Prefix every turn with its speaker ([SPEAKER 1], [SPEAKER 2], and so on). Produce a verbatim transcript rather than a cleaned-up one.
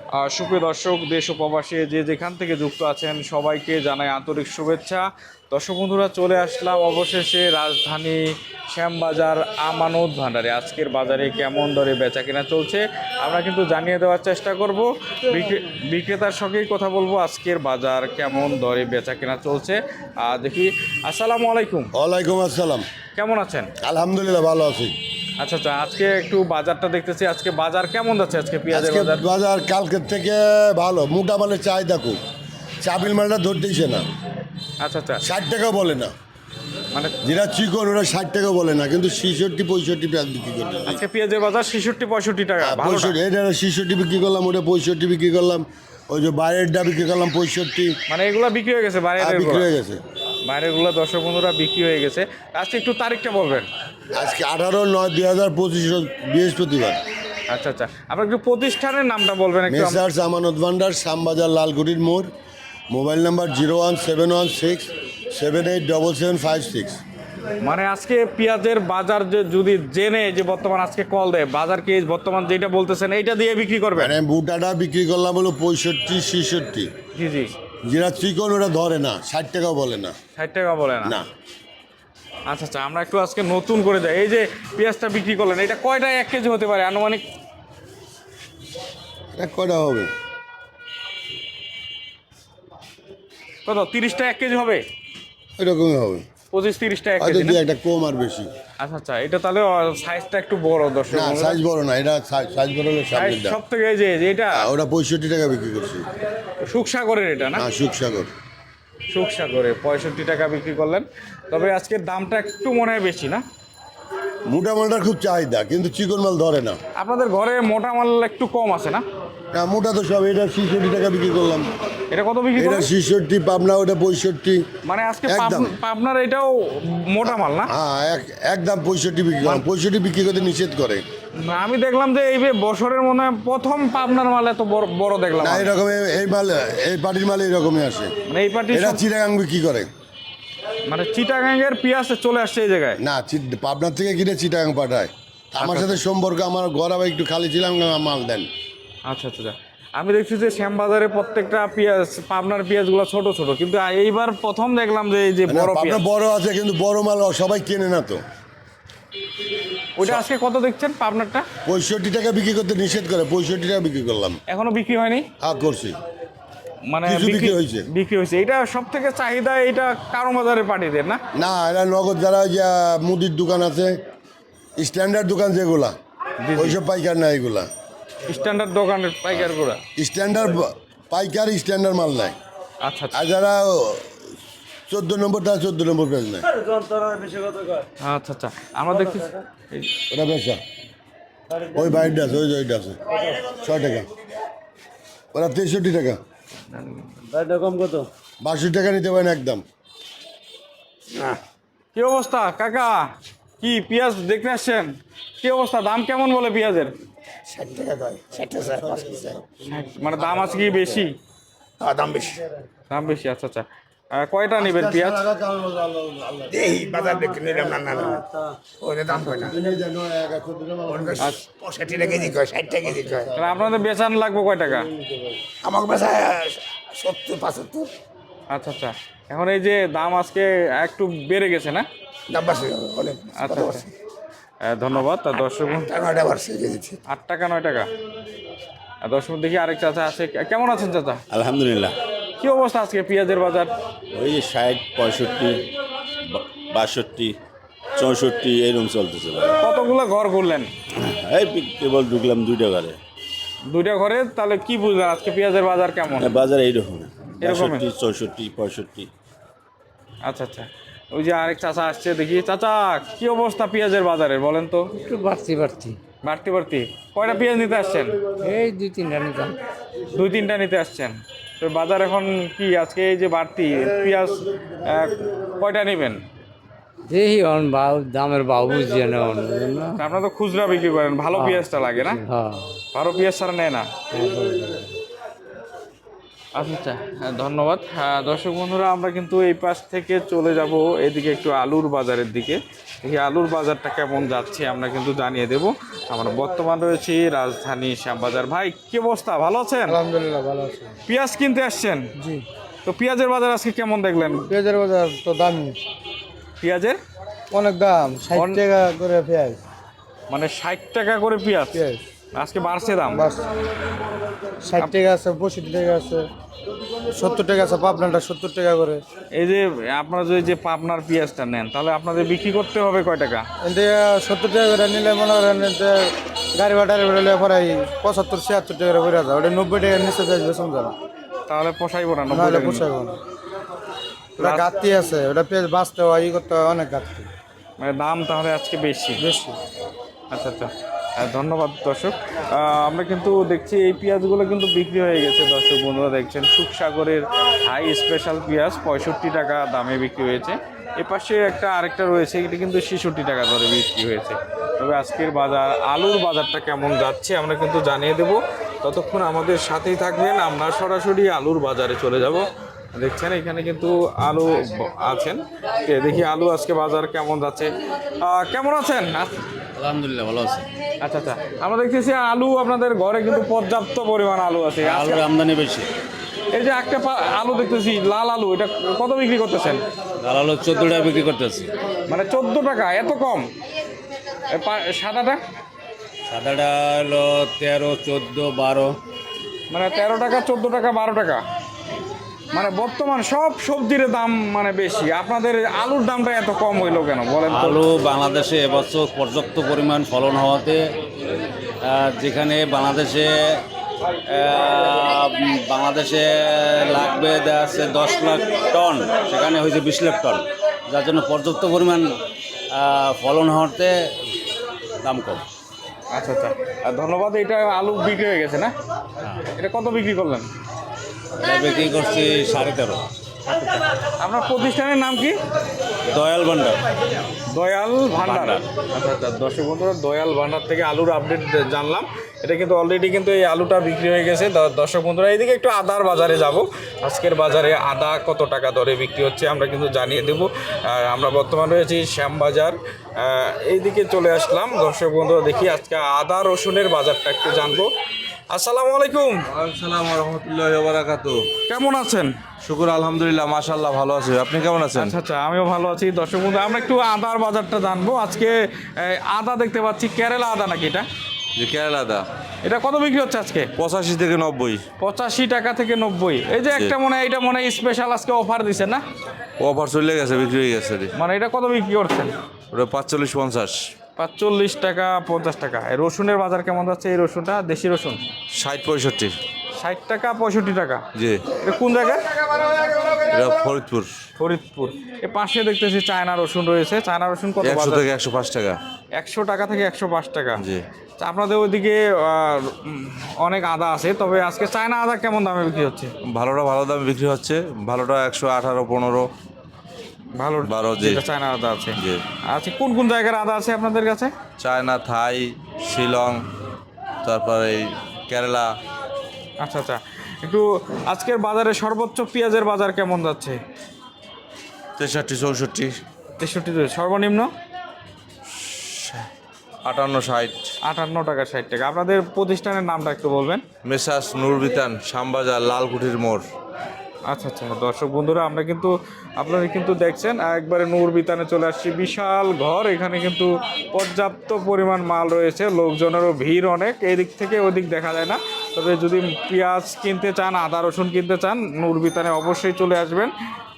[SPEAKER 1] আহ, সুপ্রিয় দর্শক, দেশ ও প্রবাসী যে যেখান থেকে যুক্ত আছেন সবাইকে জানাই আন্তরিক শুভেচ্ছা। দর্শক বন্ধুরা, চলে আসলাম অবশেষে রাজধানী শ্যামবাজার আমানত ভান্ডারে। আজকের বাজারে কেমন দরে বেচা কেনা চলছে আমরা কিন্তু জানিয়ে দেওয়ার চেষ্টা করব। বিক্রে- বিক্রেতার সঙ্গেই কথা বলবো আজকের বাজার কেমন দরে বেচা কেনা চলছে। আহ, দেখি। আসসালামু আলাইকুম।
[SPEAKER 2] ওয়ালাইকুম আসসালাম।
[SPEAKER 1] কেমন আছেন?
[SPEAKER 2] আলহামদুলিল্লাহ ভালো আছি।
[SPEAKER 1] আচ্ছা আচ্ছা, আজকে একটু বাজারটা দেখতেছি, আজকে বাজার কেমন যাচ্ছে? আজকে পেঁয়াজের
[SPEAKER 2] আজকে
[SPEAKER 1] বাজার
[SPEAKER 2] বাজার কালকের থেকে ভালো, মোটা মালের চাহিদা খুব। চাবিল মালটা ধরতেইছে না,
[SPEAKER 1] আচ্ছা আচ্ছা,
[SPEAKER 2] ষাট টাকা বলে না।
[SPEAKER 1] মানে
[SPEAKER 2] যেটা চিকন ওরা ষাট টাকা বলে না, কিন্তু ছিষট্টি পঁয়ষট্টি পেঁয়াজ বিক্রি করতে
[SPEAKER 1] আজকে পেঁয়াজের বাজার ছেষট্টি পঁয়ষট্টি টাকা, ভালোটা।
[SPEAKER 2] পঁয়ষট্টি, এটা ছিষট্টি বিক্রি করলাম, ওটা পঁয়ষট্টি বিক্রি করলাম, ওই যে বাইরেরটা বিক্রি করলাম পঁয়ষট্টি।
[SPEAKER 1] মানে এগুলা বিক্রি হয়ে গেছে বাইরের
[SPEAKER 2] আর বিক্রি
[SPEAKER 1] এগুলা?
[SPEAKER 2] হয়ে গেছে।
[SPEAKER 1] বাইরের গুলা দর্শক বন্ধুরা বিক্রি হয়ে গেছে। আজকে একটু তারিখটা বলবেন।
[SPEAKER 2] আজকে আঠারো নয় দুই হাজার পঁচিশ বৃহস্পতিবার।
[SPEAKER 1] আচ্ছা আচ্ছা, আপনার একটু প্রতিষ্ঠানের নামটা বলবেন একটু। আম-
[SPEAKER 2] মেসার্স আমানত ভান্ডার, শ্যামবাজার, লালকুটির মোড়। Mobile number zero one seven one six seven eight double seven five six.
[SPEAKER 1] মানে আজকে পেঁয়াজের বাজার যে যদি জেনে যে বর্তমান আজকে কল দেয়, বাজার কি বর্তমান যেটা বলতেছেন এইটা দিয়ে বিক্রি করবেন?
[SPEAKER 2] মানে বুটাটা বিক্রি করলাম হলো পঁয়ষট্টি ছেষট্টি।
[SPEAKER 1] জি জি,
[SPEAKER 2] যেটা চিকন ওটা ধরে না, ষাট টাকাও বলে না।
[SPEAKER 1] ষাট টাকা বলে না?
[SPEAKER 2] না,
[SPEAKER 1] আচ্ছা আচ্ছা, আমরা একটু আজকে নতুন করে যাই। এই যে পেঁয়াজটা বিক্রি করলেন, এটা কয়টায় এক কেজি হতে পারে আনুমানিক?
[SPEAKER 2] এটা কয়টা হবে?
[SPEAKER 1] কত, তিরিশটা এক কেজি হবে?
[SPEAKER 2] এরকমই হবে,
[SPEAKER 1] পঁচিশ তিরিশটা এক
[SPEAKER 2] হয়তো
[SPEAKER 1] কেজি
[SPEAKER 2] দু
[SPEAKER 1] না?
[SPEAKER 2] একটা কম আর বেশি।
[SPEAKER 1] আচ্ছা আচ্ছা, এটা তাহলে সাইজটা একটু বড় দর্শক
[SPEAKER 2] না,
[SPEAKER 1] বন্ধুরা।
[SPEAKER 2] সাইজ বড় না, এটা সাইজ বড় হলে
[SPEAKER 1] সাইজ
[SPEAKER 2] সামনেরটা।
[SPEAKER 1] সব থেকে এই যে যে এটা
[SPEAKER 2] ওটা পঁয়ষট্টি টাকা বিক্রি করছি।
[SPEAKER 1] সুখসাগরের এটা না?
[SPEAKER 2] হ্যাঁ, সুখসাগর।
[SPEAKER 1] সুখসাগরে পঁয়ষট্টি টাকা বিক্রি করলেন। তবে আজকের দামটা একটু মনে হয় বেশি না?
[SPEAKER 2] মোটা মালটার খুব চাহিদা, কিন্তু চিকন মাল ধরে না।
[SPEAKER 1] আপনাদের ঘরে মোটা মাল একটু কম আছে না?
[SPEAKER 2] না, মোটা তো সব। এটা ছেষট্টি টাকা বিক্রি করলাম,
[SPEAKER 1] এটা কত বিক্রি
[SPEAKER 2] এটা
[SPEAKER 1] করলেন?
[SPEAKER 2] ছেষট্টি। পাবনা ওটা পঁয়ষট্টি।
[SPEAKER 1] মানে আজকে
[SPEAKER 2] একদম।
[SPEAKER 1] পাব- পাবনার এটাও মোটা মাল না?
[SPEAKER 2] হ্যাঁ, এক একদম পঁয়ষট্টি বিক্রি করলাম। পঁয়ষট্টি বিক্রি করতে নিষেধ করে।
[SPEAKER 1] না, আমি দেখলাম যে এই যে বছরের মনে হয় প্রথম পাবনার মাল এত বড় বড় দেখলাম
[SPEAKER 2] না,
[SPEAKER 1] আমি।
[SPEAKER 2] এরকম এই মাল, এই পার্টির মাল এইরকমই আসে।
[SPEAKER 1] মানে এই পার্টি
[SPEAKER 2] এটা চিটাগাং বিক্রি করে।
[SPEAKER 1] মানে চিটাগাঙ্গের পেঁয়াজ চলে আসছে এই জায়গায়?
[SPEAKER 2] না, চি- পাবনার থেকে কিনে চিটাগাং পাঠায়। আমার
[SPEAKER 1] আচ্ছা।
[SPEAKER 2] সাথে সম্পর্ক, আমার ঘর আবার একটু খালি ছিলাম, মাল দেন।
[SPEAKER 1] আচ্ছা আচ্ছা আচ্ছা। আমি দেখছি যে শ্যামবাজারে প্রত্যেকটা পেঁয়াজ, পাবনার পেঁয়াজগুলো ছোট ছোট, কিন্তু এইবার প্রথম দেখলাম যে এই যে
[SPEAKER 2] না,
[SPEAKER 1] বড়
[SPEAKER 2] পাবনা
[SPEAKER 1] পেঁয়াজ।
[SPEAKER 2] বড় আছে, কিন্তু বড় মাল সবাই কেনে না তো।
[SPEAKER 1] ওইটা আজকে কত দেখছেন পাবনারটা?
[SPEAKER 2] পঁয়ষট্টি টাকা বিক্রি করতে নিষেধ করে, পঁয়ষট্টি টাকা বিক্রি করলাম।
[SPEAKER 1] এখনো বিক্রি হয়নি?
[SPEAKER 2] হ্যাঁ, করছি।
[SPEAKER 1] মানে
[SPEAKER 2] কিছু বিক্রি হয়েছে।
[SPEAKER 1] বিক্রি হয়েছে। এটা সব থেকে চাহিদা এটা কারো বাজারের পার্টিদের না?
[SPEAKER 2] না, এরা নগদ যারা ওই যে মুদির দোকান আছে, স্ট্যান্ডার্ড দোকান যেগুলা,
[SPEAKER 1] জি।
[SPEAKER 2] ওইসব পাইকার না এগুলা।
[SPEAKER 1] স্ট্যান্ডার্ড দোকানের পাইকার গুড়া?
[SPEAKER 2] স্ট্যান্ডার্ড পাইকার, স্ট্যান্ডার্ড মাল নেয়।
[SPEAKER 1] আচ্ছা আচ্ছা
[SPEAKER 2] আর যারা চোদ্দ নম্বর, তারা চোদ্দ নম্বর পেজ নেয়।
[SPEAKER 1] আচ্ছা আচ্ছা, আমরা দেখছি এই
[SPEAKER 2] ওটা বেচা, ওই বাইরটা আছে, ওই যে ওইটা আছে, ছয় টাকা। ওরা তেষট্টি টাকা।
[SPEAKER 3] কম কত?
[SPEAKER 2] বাষট্টি টাকা নিতে পারেন একদম।
[SPEAKER 1] কি অবস্থা কাকা? কি পেঁয়াজ দেখতে আসছেন? কি অবস্থা, দাম কেমন বলে পেঁয়াজের?
[SPEAKER 3] ষাট টাকা দেয়, ষাট টাকা স্যার, পাঁচ কেজি স্যার।
[SPEAKER 1] মানে দাম আছে কি বেশি?
[SPEAKER 3] হ্যাঁ, দাম বেশি।
[SPEAKER 1] দাম বেশি, আচ্ছা আচ্ছা। আহ, কয়টা নেবেন পেঁয়াজ?
[SPEAKER 3] এই বাজার দেখে নিলাম, না না না, ওদের দাম কয় না। পঁয়ষট্টি টাকা কেজি কয়, ষাট টাকা কেজি কয়।
[SPEAKER 1] তাহলে আপনাদের বেচান লাগবে কয় টাকা?
[SPEAKER 3] আমাকে বেচা সত্তর পঁচাত্তর।
[SPEAKER 1] আচ্ছা আচ্ছা, এখন এই যে দাম আজকে একটু বেড়ে গেছে না?
[SPEAKER 3] দাম বাড়ছে অনেক।
[SPEAKER 1] আচ্ছা আচ্ছা, আহ, ধন্যবাদ। তা দর্শক
[SPEAKER 3] টাকাটা বাড়ছে কেজিতে।
[SPEAKER 1] আট টাকা নয় টাকা। আর দর্শক দেখি আরেক চাচা আছে। কেমন আছেন চাচা?
[SPEAKER 4] আলহামদুলিল্লাহ।
[SPEAKER 1] কি অবস্থা আজকে পেঁয়াজের বাজার?
[SPEAKER 4] ওই যে ষাট পঁয়ষট্টি বা- বাষট্টি চৌষট্টি এরকম চলতেছে ভাই।
[SPEAKER 1] কতগুলো ঘর করলেন?
[SPEAKER 4] এই পি- কেবল ঢুকলাম দুইটা ঘরে।
[SPEAKER 1] দুইটা ঘরে, তাহলে কি বুঝলেন আজকে পেঁয়াজের বাজার কেমন?
[SPEAKER 4] হ্যাঁ, বাজার এইরকম
[SPEAKER 1] এরকমই?
[SPEAKER 4] বাষট্টি চৌষট্টি পঁয়ষট্টি।
[SPEAKER 1] আচ্ছা আচ্ছা, ওই যে আরেক চাচা আসছে দেখি। চাচা, কি অবস্থা পেঁয়াজের বাজারের বলেন তো?
[SPEAKER 5] একটু বাড়তি বাড়তি
[SPEAKER 1] বাড়তি বাড়তি। কয়টা পেঁয়াজ নিতে আসছেন?
[SPEAKER 5] এই দুই তিনটা নিতাম।
[SPEAKER 1] দুই তিনটা নিতে আসছেন। তো বাজার এখন কি আজকে এই যে বাড়তি পেঁয়াজ, আহ, কয়টা নেবেন?
[SPEAKER 5] দেখি অন বাউ দামের বাউ বুঝিয়ে না অন্য না।
[SPEAKER 1] আপনারা তো খুচরা বিক্রি করেন, ভালো পেঁয়াজটা লাগে না?
[SPEAKER 5] হ্যাঁ,
[SPEAKER 1] ভালো পেঁয়াজ ছাড়া নেয় না। আচ্ছা আচ্ছা হ্যাঁ, ধন্যবাদ। হ্যাঁ, দর্শক বন্ধুরা আমরা কিন্তু এই পাশ থেকে চলে যাব এদিকে একটু আলুর বাজারের দিকে। দেখি আলুর বাজারটা কেমন যাচ্ছে আমরা কিন্তু জানিয়ে দেব। আমরা বর্তমান রয়েছি রাজধানী শ্যামবাজার। ভাই কি অবস্থা, ভালো আছেন?
[SPEAKER 6] আলহামদুলিল্লাহ ভালো আছে।
[SPEAKER 1] পেঁয়াজ কিনতে আসছেন?
[SPEAKER 6] জি,
[SPEAKER 1] তো পেঁয়াজের বাজার আজকে কেমন দেখলেন?
[SPEAKER 6] পেঁয়াজের বাজার তো দামি,
[SPEAKER 1] পেঁয়াজের
[SPEAKER 6] অনেক দাম, ষাট
[SPEAKER 1] অন-
[SPEAKER 6] টাকা করে পেঁয়াজ।
[SPEAKER 1] মানে ষাট টাকা করে পেঁয়াজ
[SPEAKER 6] পেঁয়াজ
[SPEAKER 1] আজকে বাড়ছে দাম।
[SPEAKER 6] বাস ষাট টাকা আছে, পঁয়ষট্টি টাকা আছে, সত্তর টাকা আছে, পাবনাটা সত্তর টাকা করে।
[SPEAKER 1] এই যে আপনারা যদি যে পাবনার পেঁয়াজটা নেন তাহলে আপনাদের বিক্রি করতে হবে কয় টাকা?
[SPEAKER 6] এতে সত্তর টাকা করে নিলে মনে করেন এতে গাড়ি ভাড়া বেরোলে প্রায় পঁচাত্তর ছিয়াত্তর টাকা করে বেড়ে যায়, ওটা নব্বই টাকার নিচে যায় বেসন যাবে,
[SPEAKER 1] তাহলে পোষাইবো না? নব্বই
[SPEAKER 6] নাহলে
[SPEAKER 1] টাকা
[SPEAKER 6] পোষাইব না। ওটা ঘাটতি আছে, ওটা পেঁয়াজ বাঁচতে হয়, ই করতে হয়, অনেক ঘাটতি
[SPEAKER 1] মানে দাম তাহলে আজকে বেশি।
[SPEAKER 6] বেশি।
[SPEAKER 1] আচ্ছা আচ্ছা আহ, ধন্যবাদ দর্শক। আহ, আমরা কিন্তু দেখছি এই পেঁয়াজগুলো কিন্তু বিক্রি হয়ে গেছে। দর্শক বন্ধুরা দেখছেন সুখসাগরের হাই স্পেশাল পেঁয়াজ পঁয়ষট্টি টাকা দামে বিক্রি হয়েছে। এ পাশে একটা আরেকটা রয়েছে, এটি কিন্তু ছেষট্টি টাকা দরে বিক্রি হয়েছে। তবে আজকের বাজার আলুর বাজারটা কেমন যাচ্ছে আমরা কিন্তু জানিয়ে দেব। ততক্ষণ আমাদের সাথেই থাকবেন, আমরা সরাসরি আলুর বাজারে চলে যাব। দেখছেন এখানে কিন্তু আলু ব- আছেন। এ দেখি আলু আজকে বাজার কেমন যাচ্ছে। আহ, কেমন আছেন?
[SPEAKER 5] আলহামদুলিল্লাহ ভালো আছে।
[SPEAKER 1] আচ্ছা আচ্ছা আমরা দেখতেছি আলু আপনাদের ঘরে কিন্তু পর্যাপ্ত পরিমাণ আলু আছে। আজকে
[SPEAKER 5] আলুর আমদানি বেশি।
[SPEAKER 1] এই যে একটা পা- আলু দেখতেছি লাল আলু, এটা কত বিক্রি করতেছেন?
[SPEAKER 5] লাল আলু চোদ্দো টাকা বিক্রি করতেছি।
[SPEAKER 1] মানে চোদ্দ টাকা, এত কম? এ পা- সাদাটা
[SPEAKER 5] সাদাটা হলো তেরো চোদ্দো বারো।
[SPEAKER 1] মানে তেরো টাকা, চোদ্দ টাকা, বারো টাকা। মানে বর্তমান সব সবজির দাম মানে বেশি, আপনাদের আলুর দামটা এত কম হইলো কেন বলেন তো?
[SPEAKER 5] আলু বাংলাদেশে এবছর পর্যাপ্ত পরিমাণ ফলন হওয়াতে আহ, যেখানে বাংলাদেশে আহ, বাংলাদেশে লাগবে দেখা যাচ্ছে দশ লাখ টন, সেখানে হয়েছে বিশ লাখ টন, যার জন্য পর্যাপ্ত পরিমাণ আহ, ফলন হওয়াতে দাম কম।
[SPEAKER 1] আচ্ছা আচ্ছা আর ধন্যবাদ। এটা আলু বিক্রি হয়ে গেছে না? এটা কত বিক্রি করলেন?
[SPEAKER 5] এটা বিক্রি করছি সাড়ে তেরো।
[SPEAKER 1] আপনার প্রতিষ্ঠানের নাম কি?
[SPEAKER 5] দয়াল ভান্ডার।
[SPEAKER 1] দয়াল ভান্ডার। আচ্ছা আচ্ছা দর্শক বন্ধুরা, দয়াল ভান্ডার থেকে আলুর আপডেট জানলাম। এটা কিন্তু অলরেডি কিন্তু এই আলুটা বিক্রি হয়ে গেছে। দ- দর্শক বন্ধুরা, এইদিকে একটু আদার বাজারে যাব। আজকের বাজারে আদা কত টাকা দরে বিক্রি হচ্ছে আমরা কিন্তু জানিয়ে দেবো। আর আমরা বর্তমান রয়েছি শ্যামবাজার, আহ, এইদিকে চলে আসলাম। দর্শক বন্ধুরা দেখি আজকে আদা রসুনের বাজারটা একটু জানবো। আসসালামু আলাইকুম,
[SPEAKER 7] আসসালাম রহমতুল্লাহ বারাকাতু।
[SPEAKER 1] কেমন আছেন?
[SPEAKER 7] শুকুর আলহামদুলিল্লাহ, মাশাআল্লাহ ভালো আছি। আপনি কেমন আছেন?
[SPEAKER 1] আচ্ছা আচ্ছা আমিও ভালো আছি। দর্শক বন্ধু, আমরা একটু আদার বাজারটা জানবো। আজকে এই, আদা দেখতে পাচ্ছি, কেরালা আদা নাকি এটা?
[SPEAKER 7] যে কেরালা দা
[SPEAKER 1] এটা কত বিক্রি হচ্ছে আজকে?
[SPEAKER 7] পঁচাশি থেকে নব্বই।
[SPEAKER 1] পঁচাশি টাকা থেকে নব্বই। এই যে একটা মনে হয় এটা মনে হয় স্পেশাল আজকে অফার দিছে না?
[SPEAKER 7] অফার চলে গেছে, বিক্রি হয়ে গেছে রে।
[SPEAKER 1] মানে এটা কত বিক্রি করছেন?
[SPEAKER 7] ওটা পাঁচচল্লিশ পঞ্চাশ।
[SPEAKER 1] পাঁচচল্লিশ টাকা, পঞ্চাশ টাকা। এই রসুনের বাজার কেমন যাচ্ছে? এই রসুনটা দেশি রসুন
[SPEAKER 7] ষাট পঁয়ষট্টি।
[SPEAKER 1] ষাট টাকা, পঁয়ষট্টি টাকা।
[SPEAKER 7] জি,
[SPEAKER 1] এটা কোন জায়গায়?
[SPEAKER 7] এটা ফরিদপুর।
[SPEAKER 1] ফরিদপুর। এ পাশে দেখতেছি চায়না রসুন রয়েছে। চায়না রসুন কত
[SPEAKER 7] একশো
[SPEAKER 1] বাজার?
[SPEAKER 7] থেকে একশো পাঁচ টাকা।
[SPEAKER 1] একশো টাকা থেকে একশো পাঁচ টাকা।
[SPEAKER 7] জি।
[SPEAKER 1] তা আপনাদের ওইদিকে আহ, উম, অনেক আদা আছে, তবে আজকে চায়না আদা কেমন দামে বিক্রি হচ্ছে?
[SPEAKER 7] ভালোটা ভালো দামে বিক্রি হচ্ছে। ভালোটা একশো আঠারো পনেরো
[SPEAKER 1] ভালো
[SPEAKER 7] বারো। জি
[SPEAKER 1] যেটা চায়না আদা আছে।
[SPEAKER 7] জি।
[SPEAKER 1] আচ্ছা, কোন কোন জায়গার আদা আছে আপনাদের কাছে?
[SPEAKER 7] চায়না, থাই, শিলং, তারপরে এই কেরালা।
[SPEAKER 1] আচ্ছা আচ্ছা একটু আজকের বাজারে সর্বোচ্চ পেঁয়াজের বাজার কেমন যাচ্ছে?
[SPEAKER 7] তেষট্টি চৌষট্টি।
[SPEAKER 1] তেষট্টি। সর্বনিম্ন
[SPEAKER 7] আটান্ন ষাট।
[SPEAKER 1] আটান্ন টাকা, ষাট টাকা। আপনাদের প্রতিষ্ঠানের নামটা একটু বলবেন?
[SPEAKER 7] মেসাস নুরবিতান, শ্যামবাজার, লালকুঠির মোড়।
[SPEAKER 1] আচ্ছা আচ্ছা দর্শক বন্ধুরা, আমরা কিন্তু আপনারা কিন্তু দেখছেন একবারে নূর বিতানে চলে আসছি। বিশাল ঘর, এখানে কিন্তু পর্যাপ্ত পরিমাণ মাল রয়েছে, লোকজনেরও ভিড় অনেক। এদিক থেকে ওদিক দেখা যায় না। তবে যদি পেঁয়াজ কিনতে চান, আদা রসুন কিনতে চান, নূর বিতানে অবশ্যই চলে আসবেন।